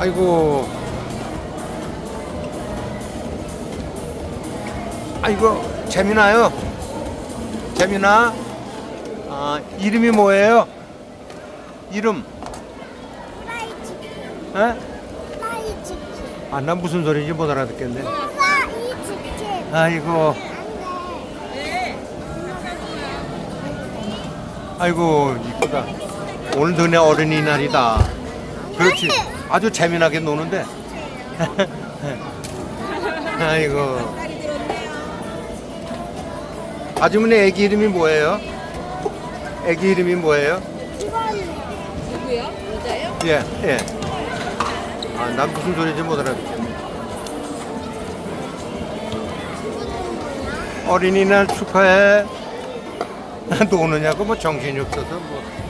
아이고. 아이고, 재미나요? 재미나? 아, 이름이 뭐예요? 이름? 프라이 치킨. 에? 프라이 치킨. 아, 난 무슨 소리인지 못 알아듣겠네. 프라이 치킨. 아이고, 안 돼. 아이고, 이쁘다. 오늘 너네 어린이날이다. 그렇지. 아주 재미나게 노는데. 아이고. 아주머니 애기 이름이 뭐예요? 애기 이름이 뭐예요? 누구요? 여자요? 예, 예. 아, 난 무슨 소리인지 못 알아듣겠네. 어린이날 축하해. 노느냐고 뭐 정신이 없어서 뭐.